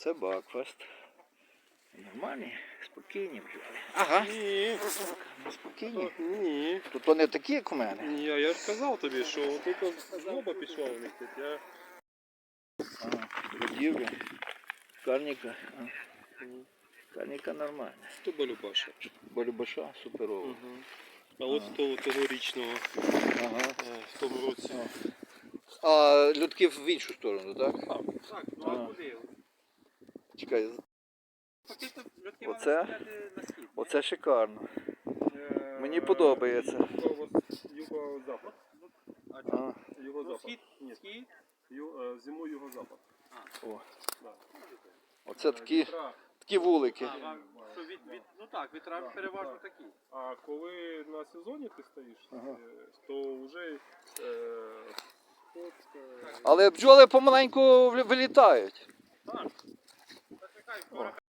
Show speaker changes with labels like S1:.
S1: Це Бакфаст. Нормальні, спокійні бджоли. Ага.
S2: Ні.
S1: Спокійні.
S2: Ні.
S1: То не такі, як у мене.
S2: Ні, я ж казав тобі, що тут злоба пішла у них тут.
S1: Будівля. Карніка. Карніка нормальна.
S2: То Балюбаша.
S1: Болюбаша суперова.
S2: Угу. А от тогорічного
S1: Ага.
S2: в тому році.
S1: А людки в іншу сторону, так?
S2: Так,
S1: ну, а куди? Чекай. Оце шикарно. Мені подобається.
S2: Юго-запад. Юго-запад. Схід? Зиму юго-запад.
S1: О. Оце такі вулики.
S3: Ну так, вітра переважно такі.
S2: А коли на сезоні ти стоїш, то вже
S1: Але бджоли помаленьку вилітають.
S3: Так.